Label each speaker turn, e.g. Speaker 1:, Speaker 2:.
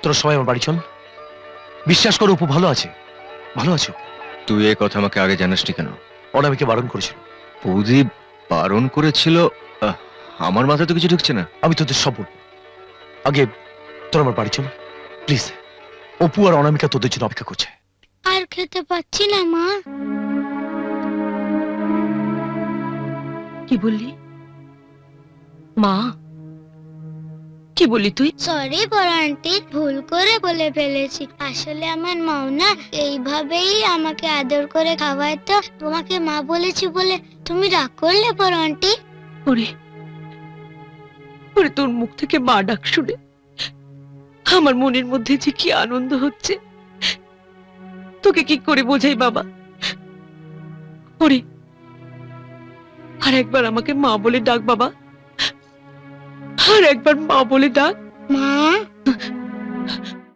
Speaker 1: তোরা সবাই আমার বাড়ি চল। বিশ্বাস করো অপু ভালো আছে, ভালো আছো।
Speaker 2: তুই এই কথা আমাকে আগে জানাসনি কেন?
Speaker 1: অনামিকে বারণ করেছিল।
Speaker 2: বৌদি বারণ করেছিল? আমার মাথায় তো কিছু ঢুকছে না।
Speaker 1: আমি তোদের সব বলবো, আগে তোরা আমার বাড়ি চল প্লিজ। অপু আর অনামিকা তোদের জন্য অপেক্ষা করছে।
Speaker 3: আর খেতে পাচ্ছি না মা।
Speaker 4: কি বললি মা? কি বললি তুই?
Speaker 3: সরি বড় আন্টি, ভুল করে বলে ফেলেছি। আসলে আমার মাও না এইভাবেই আমাকে আদর করে খাওয়ায়, তো তোমাকে মা বলেছি বলে তুমি রাগ করলে বড় আন্টি?
Speaker 4: ওরে ওরে, তোর মুখ থেকে মা ডাক শুনে আমার মনের মধ্যে যে কি আনন্দ হচ্ছে, তোকে কি করে বোঝাই বাবা। ওরে, আর একবার আমাকে মা বলে ডাক বাবা, আর একবার মা বলে ডাক।
Speaker 3: মা